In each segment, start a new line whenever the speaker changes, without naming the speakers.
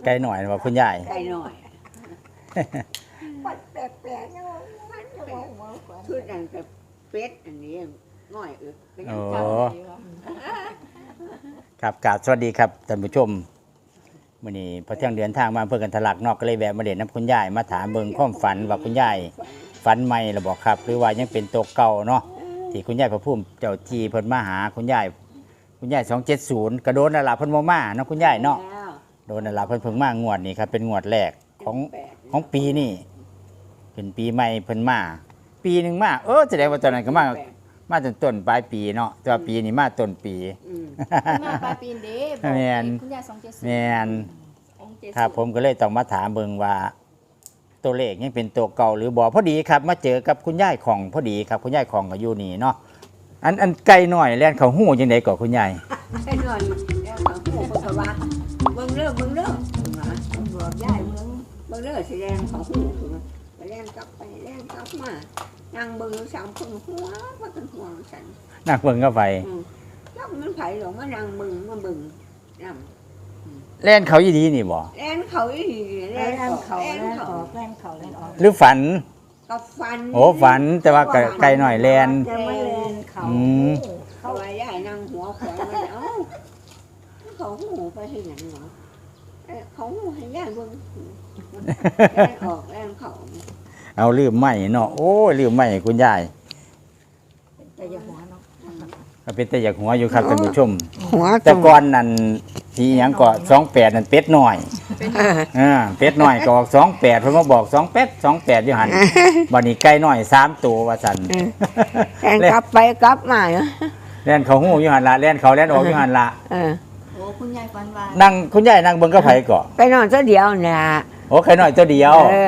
ไกลหน่อยว่าคุณยาย
ไก่หน่อย
ปัดแปลกๆยังมันจะมองมากกว่า
ชุดนั้นกับเป็ดอันนี้ง่อยก็ยัง
โอ้
จำได้ว่า
ครับกราบสวัสดีครับท่านผู้ชมมื้อนี้พอเที่ยงเดือนทางมาเพื่อกันทะลักนอกก็เลยแวะมาเด่นน้ำคุณยายมาถามเบิ่งความฝันว่าคุณยายฝันใหม่หรือบ่ครับ หรือว่ายังเป็นตัวเก่าเนาะที่คุณยายพระพุ่มเจ้าจีเพิ่นมาหาคุณยาย270กระโดนนั่นล่ะเพิ่นบ่มาเนาะคุณยายเนาะ
แล้ว
โดนนั่นล่ะเพิ่นเพิ่งมางวดนี้ครับเป็นงวดแรกของปีนี้เป็นปีใหม่เพิ่นมาปีหนึงมาแสดงว่าตอนนั้นก็มาจนต้นปลายปีเนาะแต่ว่าปีนี้มาต้นปี
มาปลายปีนเด้บอก
แม่น
คุณยาย270
แม่น
270
ครับผมก็เลยต้องมาถามเบิ่งว่าตัวเลขยังเป็นตัวเก่าหรือบ่พอดีครับมาเจอกับคุณยายของพอดีครับคุณยายของก็อยู่นี่เนาะอันไกลหน่อยแล่นเขาหู้จังได๋ก็คุณยาย
ไก่หน่อยแล้วเขาพูดเขาว่าเบิ่งเด้อบอกยายเบิ่งเด้อสิแรงเขาหูไปแรงกลับไปแรงกลับมานั่งเบิ่งสามคนหัวว่ากันหัวฉัน
นักเบิ่งก็ไป
แล้วมันไผหลงมานั่งเบิ่งมาเบิ่งนำ
แล่นเขาอีดีนี่บ่
แรงเขาอีแร
แล่
ง
น
เขา
เขา
แรง
แล่น
เขา
ออกแล่นเขาแล่นออก
หรือฝัน
กับฟัน
โอ้ฝันแต่ว่าไกลหน่อยแล่น
จะไม่แล่นเขา
อืม
เขาว่าย่ายนั่งหัวแขวนมันเอ้าเขาหูไปที่ไหนหรอเขาหูให้ย่ายเบิ่งแรงออกแรงเขา
เอาลืมใหม่เนาะโอ้ยลืมใหม่คุณยาย
แต่อย่าหัวเนาะ
ก็เป็นแต่อยากหัวอยู่ครับท่านผู้ชม
หัว
แต่ก่อนนั่นที่หยังก็28นั่นเป็ดน้อยเป็ดน้อยก็ออก28เพิ่นมาบอก28อยู่หั่นบัดนี้ไก่น้อย3ตัวว่าซั่น
แรงกลับไปกลับมา
แล่นเขาหู้อยู่หั่นละแล่นเขาแล่นออกอยู่หั่นละ
โอ้คุณยายฝันว่า
นั่งคุณยายนั่งเบิ่งกับไผก็
ไปนอนตัวเดียวเนี่ย
โอ้ไก่น้อยตัวเดียว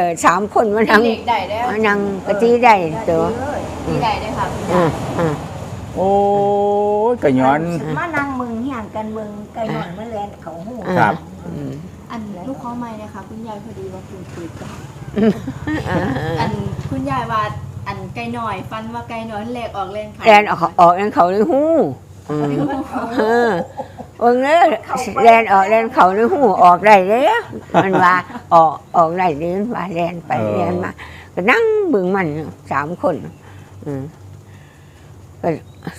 3 คนมานั่ง
เด็กได้แล้ว
มานั่งกะจีได้ตัว
ที่ได้ได้ค่ะคุณยาย
โอ้ยก็ย้อน
มานั่งมึงเฮียงกันมึงไก่หน่อยมาแล่นเขาหู
ครับ
อันลูกขอใหม่นะคะคุณยายพอดีว่าคุณคุยกันอันคุณยายว่าอันไก่หน่อยฟันว่าไก่หน่อยแหลกออกแรงขา
แรงออกแรงเขาในหูเบิ่งเด้อแรงออกแรงเขาในหูออกได้เลยมันว่าออกได้เลยว่าแรงไปแรงมาก็นั่งเบิ่งมัน3 คนก็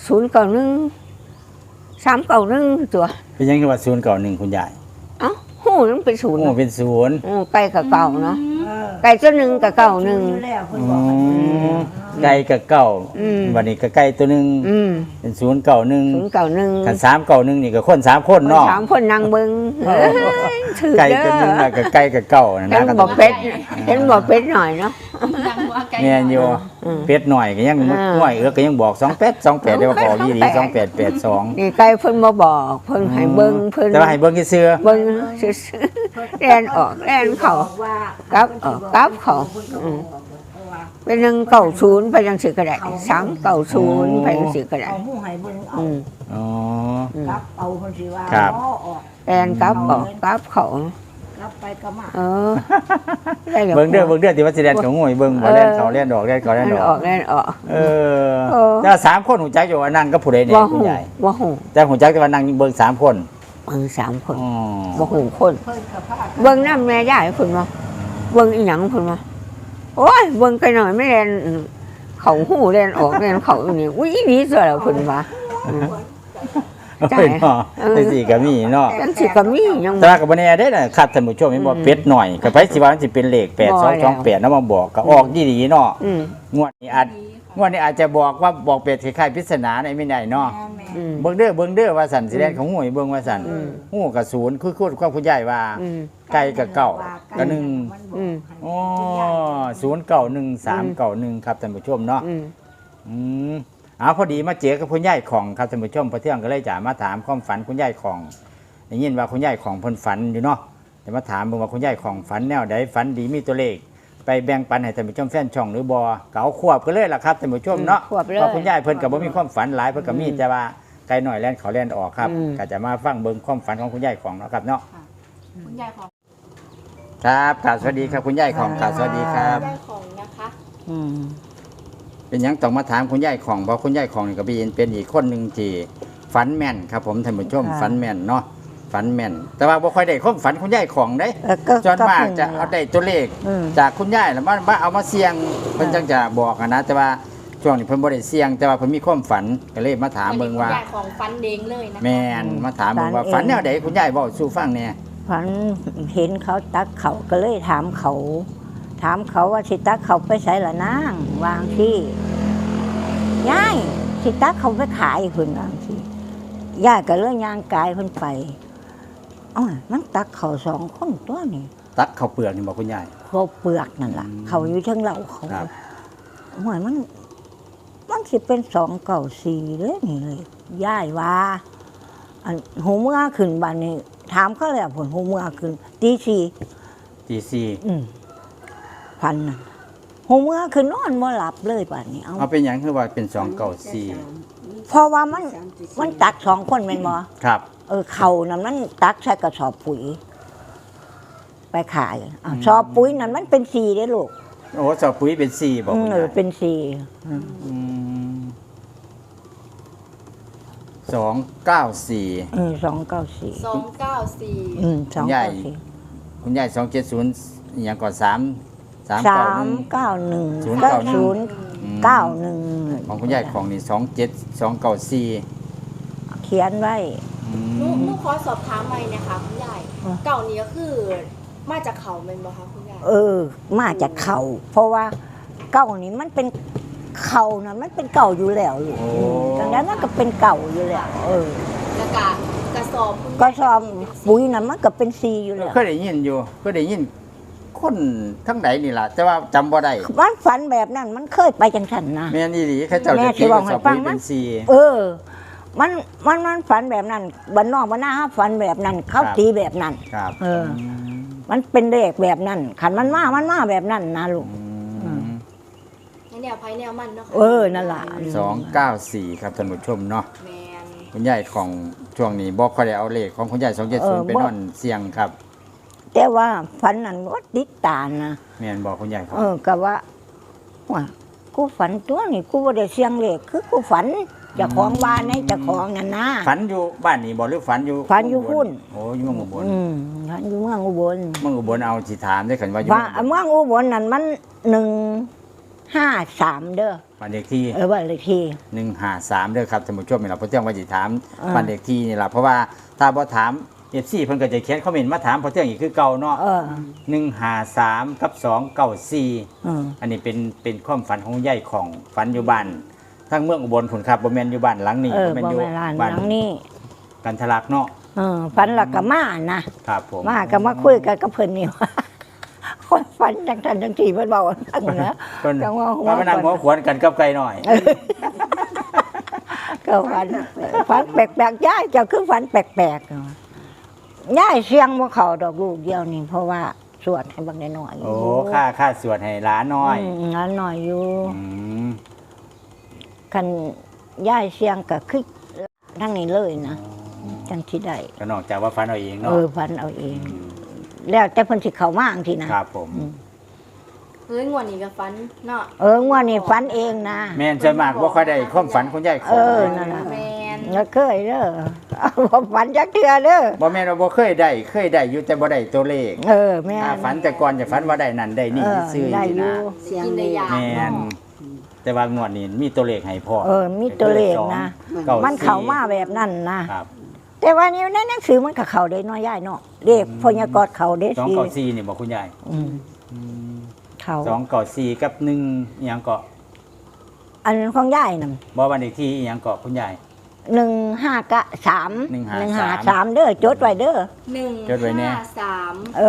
091 391ตัว
เป็นยังไงว่า091คุณยาย
เอ้าหูมันเป็นศูนย์
โอ้เป็น0
ใกล้กับเก่าเนาะ
เออ
ไก่ตัวหนึ่งกับเก่าหนึ่ง
อยู่แล้วเพิ่นบอกให้มึง
ไก่กับเก่า วันนี้ก็ไก่ตัวหนึง เป็น091
ศูนย์เก่าหนึ่ง
คัน391นี่ก็คน3คนเนาะ
3 คนนั่งเบิ้งถือ
ไก่
เด้
ตัวหนึง
อ
น่ะก็ไก่กับเก่านะ
เห็น
นะ
บอกเป็ดเห็นบอกเป็ดหน่อยเนาะ
ดังว่าไก่
แม่นอยู่เป็ดหน่อยก็ยังน้อยก็ยังบอก28ได้ว่าบอกยี่ดี2882
นี่ไก่เพิ่นมาบอกเพิ่นให้เบิ้งเพิ่น
แต่ว่าให้เบิ่งซื่อ
เบิ้งซื่อๆแล่นออกแล่นเข้า กับกับเขา เป็น190ไปจังสิก็ได้390ไปจังสิก็ได้
เอาหูให้เบิ่งเอา
ๆอ๋อ
กับเอาคนสิว่า
ครับ
ล้อออก
แล่นกับออกกับเขา
กับไปกับมา
ได้แล้ว
เบิ่งเด้อที่ว่าสิแล่นเขาง่วยเบิ่งบ่แล่นเขาแล่นดอกแล่นเขาแล่น
แล่น
ด
อ
อ
อก กแล่นออก
แต่ว่า3คนหูจักอยู่ว่านั่งกับผู้ใดเนี่ย
บ่
คุ
หู
ณยาย
บ่หู
แต่หูจักแต่ว่านั่งเบิ่ง3คน
เบิ่ง3 คน
อ๋อ
บ่หูคน
เพิ่นกับพา
เบิ่งน้ำแม่ยายเพิ่นว่าเบิ่งอีหยังเพิ่นว่าโอ้ยเบิ่งไปหน่อยไม่แล่นเขาหูแล่นออกแล่นเขาอยู่นี่อุ้ยนี่ซะแล้วเพิ่นว่า
จ่ายเนาะจังซี่ก็มีเนาะ
จังสิก็มียัง
แต่ว่าก็บ่แน่เด้อนะครับท่านผู้ชมเห็นบ่เป็ดหน่อยก็ไปสิว่ามันสิเป็นเลข8228นำมาบอกก็ออกดีๆเนาะงวดนี้อาจจะบอกว่าบอกเป็ดคล้ายๆปริศนาในไม่ได้เนาะ เบิ่งเด้อว่าสั่นสิแล่นของหวยเบิ่งว่าสั่นหูกับศูนย์คือความคุณยายว่าไก่กับเก่าก็1อ๋อ091391ครับท่านผู้ชมเนาะพอดีมาเจอกับคุณยายของครับท่านผู้ชมพอเที่ยงก็เลยจะมาถามความฝันคุณยายของได้ยินว่าคุณยายของเพิ่นฝันอยู่เนาะแต่มาถามเบิ่งว่าคุณยายของฝันแนวใดฝันดีมีตัวเลขไปแบ่งปันให้ท่านผู้ชมแฟนช่องหรือบ่ก็เอาควบกันเลยล่ะครับท่านผู้ชมเนาะเพราะคุณยายเพิ่นก็บ่มีความฝันหลายเพิ่นก็มีแต่ว่าไกลหน่อยแล่นเขาแล่นออกครับก็จะมาฟังเบิ่งความฝันของคุณยายของเนาะครับเนาะ
คุณยายของ
ครับกราบสวัสดีครับคุณยายของกราบสวัสดีครับ
ยายของนะคะ
เป็นหยังต้องมาถามคุณยายของเพราะคุณยายของนี่ก็เป็นอีกคนหนึ่งที่ฝันแม่นครับผมท่านผู้ชมฝันแม่นเนาะฝันฝันแม่น แต่ว่าบ่ค่อยได้ความฝันคุณยายของเด้
ก็
ส่วนมาก
พิ่ง
จะเอาได้ตัวเลข
อืม
จากคุณยายแล้วมาเอามาเสี่ยงเพิ่นจังจะบอกอะนะแต่ว่าช่วงนี้เพิ่นบ่ได้เสี่ยง แต่ว่าเพิ่นมีความฝันก็เลยมาถามเบิ่งว่า
คุณยายของฟันเด้งเลยนะคะ
แม่นมาถามเบิ่งว่าฝันแนวใดคุณยายเว้าสู่ฟังแหน่
ฝันเห็นเขาตักเขาก็เลยถามเขาว่าสิตักเขาไปใส่ละนางวางที่ย่ายสิตักเขาไปขายเพิ่นวางที่ย่ายก็เลยย่างกายเพิ่นไปอ้าวมันตักเขาสองคนตัวนี่
ตักข้าวเปลือกนี่บอกคุณยาย
เขาเปลือกนั่นล่ะ เขาอยู่เทั้งเราเขา
ครับ
โอ้ยมันสิเป็น294เลยนี่เลยย่ายว่าอันหูเมื่อขึ้นบ้านนี้ถามเขาแล้วผลหูเมื่อขึ้นตีสี่
ตีสี่
พันน่ะหูเมื่อขึ้นนอนบ่หลับเลยป่านนี้เอา
เอาเป็นหยังคือว่าเป็น294
เพราะว่ามันตักสองคนแม่นบ่
ครับ
เขานั่นมันตักใส่กระสอบปุ๋ย ไปขายสอบปุ๋ยนั่นมันเป็น4เด้ลูก
โอ้สอบปุ๋ยเป็น4บอกคุณยาย
เป็น4
อืม294
294
294
คุณยาย
294
คุณยาย270อีหยังก่อน3 391
391 90 91
ของคุณยายของนี่27294
เขียนไว้
หนูขอสอบถามใหม่นะคะคุณยาย
อ่ะ
เก่านี้ก็คือมาจากเขาเป็นบ่คะคุณยาย
มาจากเขาเพราะว่าเก่านี่มันเป็นเขานะมันเป็นเก่าอยู่แล้วลูกดังนั้นมันก็เป็นเก่าอยู่แล้ว
แล้วก็กระสอบคุณยาย
ก็ชอบปุ๋ยนะมันก็เป็นซีอยู่แล้ว
เคยได้ยินอยู่เคยได้ยินคนทั้งไหนนี่ล่ะ แต่ว่าจำบ่ได้
มันฝันแบบนั้นมันเคยไปจังสันนะ
แม่นอีหลีเขาเจ้า
แม่
จะ
สิ
ตี
บอก
ส
ให้
อบ
ฟั
ปุ๋
ง
ย
มั้
เป็
ย
น4
มันฝันแบบนั้นบ้านนอกบ้านหน้าฝันแบบนั้น เขาตีแบบนั้น
ครับ
มันเป็นเลขแบบนั้นขันมันมาแบบนั้นนะลูก
ในแนวไพ่แนวมันเนาะค่ะ
นั่นล่ะ
294ครับท่านผู้ชมเนาะ
แมน
คุณยายของช่วงนี้บอกค่อยได้เอาเลขของคุณยาย270ไปนอนเสียงครับ
แต่ว่าฝันนั้นว่าติดตานะ
แม่นบอกคุณยายครับ
ก็ว่ากูฝันตัวนี่กูบ่ได้เสียงเลขคือกูฝันเจ้าของบ้านในเจ้าของนั่นนะ
ฝันอยู่บ้านนี่บ่หรือฝันอยู่
ฝันอยู่พุ่น
โอ้อยู่เมืองอุบล
ฝันอยู่เมืองอุบล
เมืองอุบลเอาสิถามได้คันว่าอยู่
ว่าเมืองอุบลนั่นมัน153เด้อ
บ้านเลขที่
บ้านเลขที่
153เด้อครับท่านผู้ชมนี่ล่ะเพราะเที่ยงว่าสิถาม
อ่า
บ้านเลขที่นี่ล่ะเพราะว่าถ้าบ่ถาม FC เพิ่นก็จะเขียนคอมเมนต์มาถามเพราะเที่ยงอีกคือเก่าเนาะ153กับ294อันนี้เป็นความฝันของยายของฝันอยู่บ้านทั้งเมืองอุบลพุ่นครับบ่แม่นอยู่บ้านหลังนี้
บ่
บ่แม่นอยู่
แม่นร้าน
บ้าน
หลังนี้
กันทะลักเนาะ
ฝันและก็มานะครับ
ผม
มาก็มาคุยกันกับเพิ่นนี่ว่า คนฝันจังซั่นจังซี่เพิ่นเว้าจังนะ
เพิ่น
จังว่าหัว
มานั่งหัวขวนกันกับไก่หน่อย
ก็ฝันแปลกๆยายเจ้าคือฝันแปลกๆยายเสียงบ่เข้าดอกลูกเดียวนี่เพราะว่าสวดให้บักน้อยๆ
โอ้ค่าสวดให้หลานน้อย
น้อยน้อยอยู่
อืม
คันยายเสียงก็คือทั้งนี้เลยนะจังสิได้
ก็นอกจากว่าฝันเอาเองเนาะ
ฝันเอาเอง แล้วแต่เพิ่นสิเข้ามาจังซี่นะครับ
ผม
เฮ้ยงวดนี้ก็ฟันเนาะ
งวดนี้ฝันเองนะ
แม่นส่วนมากบ่ค่อยได้ความฝันคุณยายขอ
นั่นน่ะ
แมน
แล้วเคยเด้อบ่ฝันจักเทื่อเด้อ
บ่แม่นว่าบ่เคยได้อยู่แต่บ่ได้ตัวเลข
แม่
ถ้าฝันแต่ก่อนจะฝันว่าได้นั่นได้นี่ซื้อ
ได้
นี่
อยู่
นะ
เสียง
กินได้ยา
แม่นแต่ว่างวดนี้มีตัวเลขให้พร้อม
มีตัวเลขนะ
ก้
มันเข้ามาแบบนั้นนะครับ แต่ว่านี่ในหนังสือมันก็เข้าได้น้อยย่ายเนาะเลขพยากรณ์เข้าได้สิ
294นี่บ่คุณยาย
เข้า
294กับ1อีหยังก็
อันนั้นของย่ายนั่น
บ่บ้านเลขที่อีหยังก็คุณยาย
153
153
153เด้อจดไว้เด้อ
จดไว้แน่
153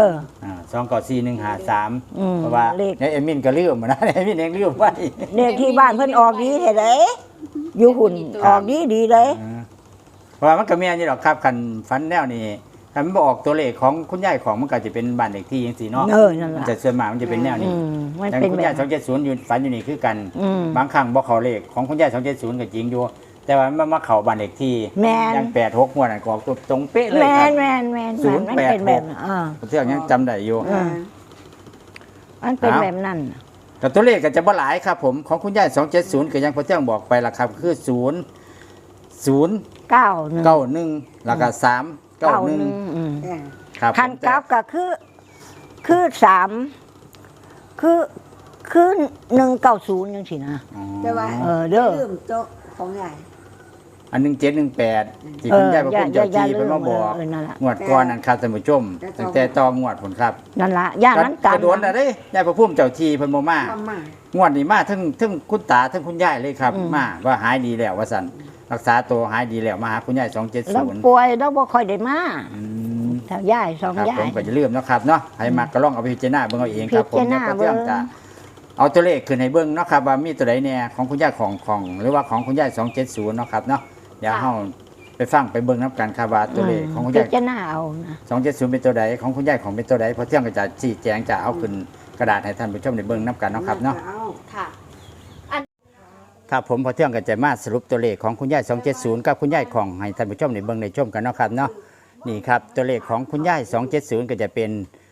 294 153
อืม
เพราะว่า
เลข
ในเอมินก็ลืมนะ เอมินเองลืมไว้
เลขที่บ้านเพิ่นออกดีแท้เด้อยู่หุ่นออกดีเลย
เพราะว่ามันก็แม่นอยู่ดอกครับคันฝันแนวนี้คันมันบ่ออกตัวเลขของคุณยายของมันก็จะเป็นบ้านเลขที่จังซี่เนาะ
นั่น
มัน
ล่ะ
จะส่วนมากมันจะเป็นแนวนี้
มัน
อย่าง
เป็น
คุณ
แบ
ยาย
บ
270อยู่ฝันอยู่นี่คือกัน
บบ
างครั้งบ่เข้าเลขของคุณยาย270ก็จริงอยู่ แต่ว่ามันมาเข้าบ้านเลขที่
แม่น
อย่าง86งวดนั้นก็ออกตรงเป๊ะเลย
แม่
ครับ
นแม่นแม่น
086
มันเป็นแบบนั้น
ผมเที่ยงยังจำได้อยู่
มันเป็นแบบนั้น
แต่ตัวเลขก็จะบ่หลายครับผมของคุณยาย270ก็ยังพอเที่ยงบอกไปล่ะครับคือ0 0
91
91แล้วก็3 เก้าหนึ่ง
อืม
เออ
ครับ
คันกลับก็คือ3คือ190จังซี่นะ
อ๋อ
แต่ว่า
เด้อ
ลืมโต๊ะของใหญ่
อัน1718ที่คุณยายพระพุ่มเจ้าที่เพิ่นมาบอก
นั่นล่ะ
งวดก่อนนั่นครับท่านผู้ชมตั้งแต่ต่องวดผลครับ
นั่นล่ะย่านนั้นกัน
กระโดนอะไรยายพระพุ่มเจ้าที่เพิ่นบ่มา
ทำมาง
วดนี้มาทั้งคุณตาทั้งคุณยายเลยครับ มาว่าหายดีแล้วว่าซั่นรักษาตัวหายดีแล้วมาหาคุณยาย
แล้ว
270
ป่วยแล้วบ่ค่อยได้มา
อืม
แถวย่ายสอง
ครับ
ย่า
ผ
ย
มก็จะลืมเนาะครับเนาะให้มาก็ลองเอาไปพิจารณาเบิ่งเอาเองครับผม
พิจารณา
เดี๋ยวก็เที่ยง
เบิ่ง
จะเอาตัวเลขขึ้นให้เบิ่งเนาะครับว่ามีตัวใดแน่ของคุณยายของหรือว่าของคุณยาย270เนาะครับเนาะเดี๋ยวเฮาไปฟังไปเบิ่งนํกันครับว่าตัวเลขของคุณ
พิ
ยาย
จารณาเอานะ
270เป็นตัวใดของคุณยายของเป็นตัวใดเพอเที่ยงก็จะชี้แจงจะเอาขึ้นกระดาษให้ท่านผู้ชมได้เบิ่งนํกันเนาะครับเนาะ
อ
ค่ะ
ครับผมพอเที่ยงก็จะมาสรุปตัวเลขของคุณยาย270กับคุณยายของให้ท่านผู้ชมได้เบิ่งได้ชมกันเนาะครับเนาะนี่ครับตัวเลขของคุณยาย270ก็จะเป็น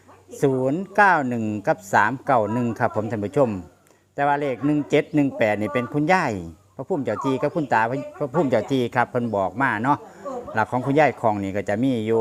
091กับ391ครับผมท่านผู้ชม แต่ว่าเลข1718นี่เป็นคุณยายพระพุ่มเจ้าทีกับคุณตาพระพุ่มเจ้าทีครับเพิ่นบอกมาเนาะหลักของคุณยายของนี่ก็จะมีอยู่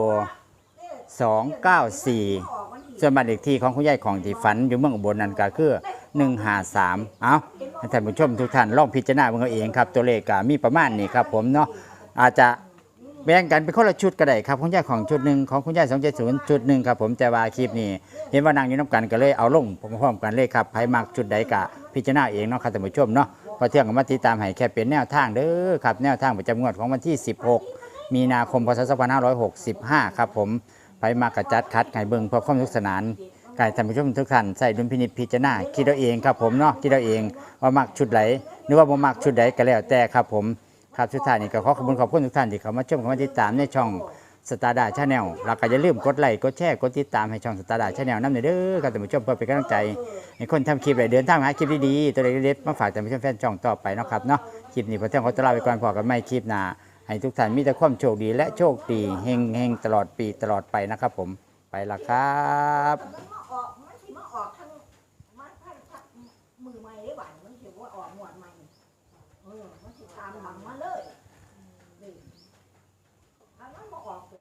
294ส่วนบ้านเลขที่ของคุณยายของที่ฝันอยู่เมืองอุบลนั่นก็คือ153เอาให้ท่านผู้ชมทุกท่านลองพิจารณาเบิ่งเอาเองครับตัวเลขก็มีประมาณนี้ครับผมเนาะอาจจะแบ่งกันเป็นคนละชุดก็ได้ครับคุณยายของชุดหนึ่งของคุณยาย270ชุดหนึ่งครับผมแต่ว่าคลิปนี้เห็นว่านางอยู่น้ำกันก็เลยเอาลงพร้อมๆกันเลยครับใครมักชุดใดก็พิจารณาเองเนาะครับท่านผู้ชมเนาะพอเที่ยงก็มาติดตามให้แค่เป็นแนวทางเด้อครับแนวทางประจำงวดของวันที่16มีนาคมพศ2565ครับผมไปมากระจัดคัดไก่เบิงเพื่อความสนุกสนานไก่ท่านผู้ชมทุกท่านใส่ดุลพินิจพิจารณาคิดเอาเองครับผมเนาะคิดเอาเองว่ามักชุดไหนหรือว่าบ่มักชุดใดก็แล้วแต่ครับผมครับสุดท้ายนี้ก็ขอบคุณทุกท่านที่เข้ามาชมเข้ามาติดตามในช่องสตาร์ดาชาแนลแล้วก็อย่าลืมกดไลค์กดแชร์กดติดตามให้ช่องสตาร์ดาชาแนลนำเด้อครับท่านผู้ชมเพื่อเป็นกำลังใจให้คนทำคลิปได้เดินทางหาคลิปดีๆตัวเล็กๆมาฝากท่านผู้ชมแฟนช่องต่อไปเนาะครับเนาะคลิปนี้พอเที่ยงขอตัวลาไปก่อนพอกันไม่คลิปหน้าให้ทุกท่านมีแต่ความโชคดีและโชคดีเฮงๆตลอดปีตลอดไปนะครับผมไปละครับ
มันสิมาออกทั้งมือใหม่ได้หวานมันสิว่าออกหมวดใหม่มันสิตามหลังมาเลย